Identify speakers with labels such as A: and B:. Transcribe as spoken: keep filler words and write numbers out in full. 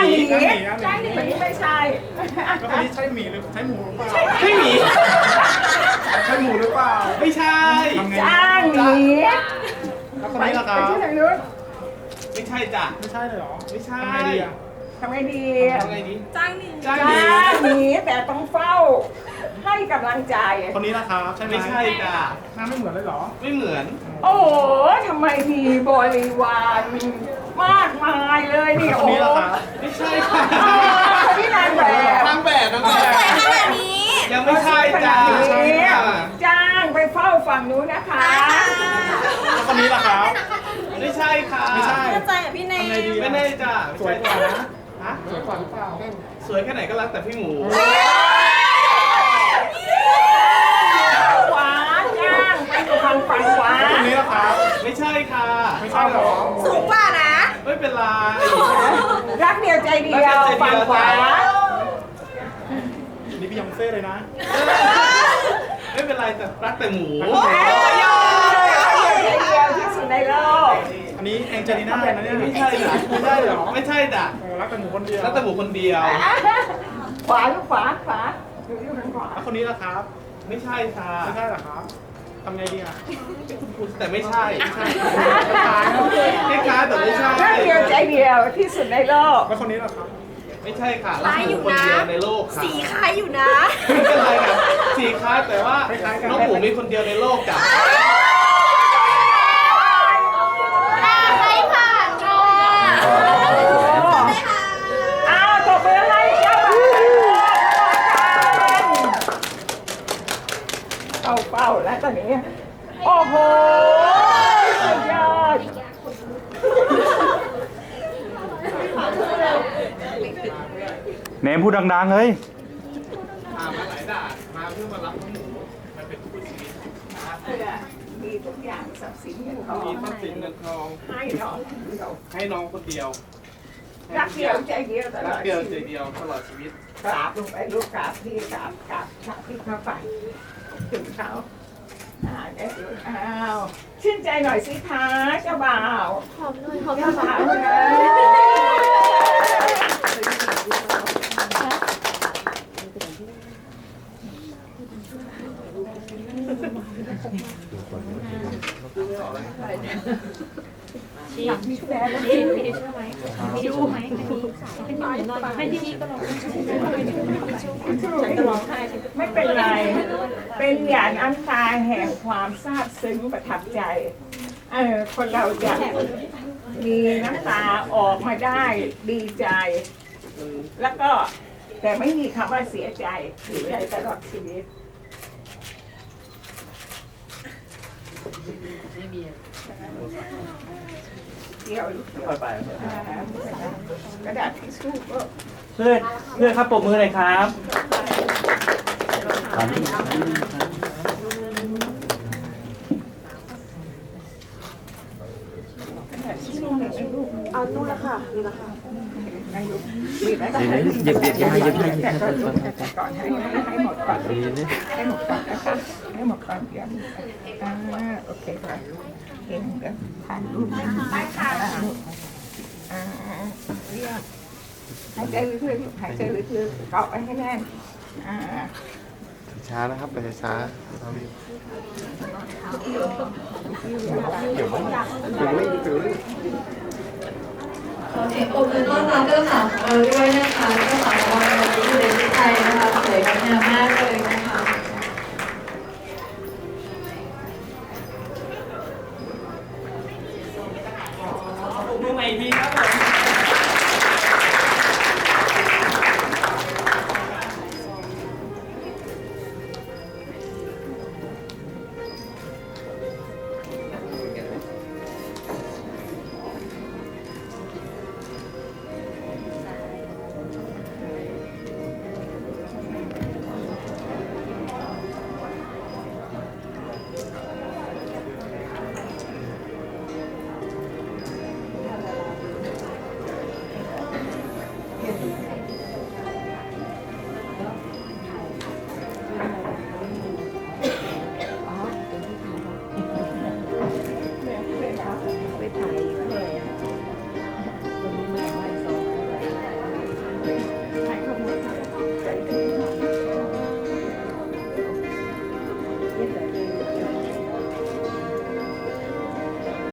A: างหมี
B: จ้างหมี
A: คนนี้ไม่ใช่
B: แล้วคนนี้ใช่หมีหรือใช่หมูหรือเปล่า
C: ใช่หมี
B: ใช่หมูหรือเปล่า
C: ไม่ใช่
B: ทำไง
A: จ้างหมี
B: แล้วคน
A: ไป
B: นี้ล่ะค
A: ไป
B: รับ
A: ที่ทางนู้น
C: ไม่ใช่จ้ะ
B: ไม่ใช่เลยเหรอ
C: ไม่ใช่
B: ทำไงดีอ่ะ
A: ทำไงดี
C: ทำไงดี
D: จ้างหมี
C: จ้าง
A: จ้
C: หมี
A: างหมีแต่ต้องเฝ้า ให้กำลังใจ
B: คนนี้ล่ะครับใช่ไหม
C: ไม่ใช่จ้ะ
B: หน้าไม่เหมือนเลยเหรอ
C: ไม่เหมือน
A: โอ้โหทำไมมีบริวารมากมายเลยนี่
B: คน
A: โอ้
B: นี้
A: โห
B: ล่ะครับ
C: ไม่ใช่ค่ะ
A: อ๋อคนที่นางแบบ
C: นางแบบนางแบบ
D: สวยขนาดนี้
C: ยังไม่ใช่จ้ะ
A: ขนาด
C: ใช่
A: นี้
C: ค่ะ
A: จ้างไปเฝ้าฝั่งนู้นนะคะ
B: แล้วคนนี้ล่ะครับ
C: ไม่ใช่ค่ะ
B: ไม่ใช่
D: เข้าใจอ่ะพี่เนย
B: ทำไงดี
C: ไม่
B: อ่ะ
C: แน่จ้ะ
B: สวยกว่านะ
C: ฮะ
B: สวยกว่าหรือเปล่า
C: สวยแค่ไหนก็รักแต่พี่หมู
A: ขวาจ้างไปอยู่ทางฝั่งขวา
B: คนนี้ล่ะครับ
C: ไม่ใช่ค่ะ
B: ไม่ใช่เหรอ
D: สูงกว่านะ
C: ไม่เป็นไร
A: รักเดียวใจเดียวฝั่งขวา
B: นี่พี่ยองเซ่เลยนะ
C: ไม่เป็นไรแต่รักแต่หมู
A: โอ้ยรักเดียวใจเดียวที่สุดในโลก
B: อันนี้แองเจลิน่านะเนี่ย
C: ไม่ใช่จ้ะ
B: ไม่ใช่เหรอ
C: ไม่ใช่จ้ะ
B: โอ้รักแต่หมูคนเดียว
C: รักแต่หมูคนเดียว
A: ขวาลูกขวาขวาอยู่อยู่ทางขวา
B: แล้วคนนี้ล่ะครับ
C: ไม่ใช่ค่ะ
B: ไม่ใช่เหรอครับทำไงดีอ่ะ
C: แต่ไม่ใช่
B: ใช่คล้ายๆ
C: คล้ายๆแต่ไม่ใช่
A: รักเดียวใจเดียวที่สุดในโลก
B: แล้วคนนี้ล่ะครับ
C: ไม่ใช่ค่ะ
D: คล้ายอยู่
C: คน
D: นะ
C: เดียวในโลกค่ะ
D: สีคล้ายอยู่นะ
C: ไม่เป็นไรค่ะสีคล้ายแต่ว่า
B: คล้ายๆกัน
C: น้องหมูมีคนเดียวในโลกจ้ะ
D: ให้ผ่านค่ะ
A: อ้าวตบมือให้เจ้าบ่าวเข้าเป้าแล้วตอนนี้ โอ้โหสุดยอด
B: เนมพูดดังๆเลย
C: มามาหลายด่านมาเพื่อมารับน้องหมูมาเป็นคู่ชีวิต
A: เพื่อมีทุกอย่างทรัพย์สินเงินทอง
C: มีทรัพย์สินเงินทอง
A: ให้น้องเดียว
C: ให้น้องคนเดียว
A: รักเดียวใจเดียวตล
C: รั
A: อก ด
C: เดียว
A: ชี
C: ใจ
A: วิต
C: เดียวตลอดชีวิต
A: กราบลงไปลูกกราบพี่กราบกราบพระพี่พระไปถึงเขาอ่าได้ดูอ้าวชื่นใจหน่อยสิคะเจ้าบ่าว
D: หอมหน่อยหอม
A: เจ้า
D: หน่
A: บ่า
D: อ
A: วย นะหลังมีแฟนแล้วพี่
D: มีทิชชู่ไหมมีทิชชู่ไหมเป็นหน่อยหน่อยให้ที่ก็ลองฉันก็ร้องไห้
A: ไม่เป็นไร เป็นหยาดน้ำตาแห่งความซาบซึ้งประทับใจ เออคนเราจะมีน้ำตาออกมาได้ดีใจ แล้วก็แต่ไม่มีคำว่าเสียใจเสียใจตลอดชีวิตเดี๋ยว
C: ค่อยไป
A: อ่ากระดาษทิชชู่ก็
C: เพื่อนเพื่อนครับปรบมือหน่อยครับ
A: กระดาษทิชชู่ในลูก
D: เอานู่นละค่ะนี่ละค่ะ
A: ในลูกบีบไว้ก่อน
E: หยิบหยิบหยิบให้หยิบให้หยิบ
A: แต่
E: ให้
A: ก่อนลูกแต่ก่อนให้ให้หมดก่อนให้หมดก่อนนะคะให้หมดก่อนเดี๋ยวอ่าโอเคค่ะเห็นเดี๋ยวถ่ายรูปไปค่ะอ่าเรียกหายใจลึกๆหายใจลึกๆเกาะไว้ให้แน่นอ่า
E: ช้านะครับไปช้าเรารีบ
F: ขอเสียงปรบมือต้อนรับเจ้าสาวของเราด้วยนะคะเจ้าสาวของเราอยู่ในประเทศไทยนะคะ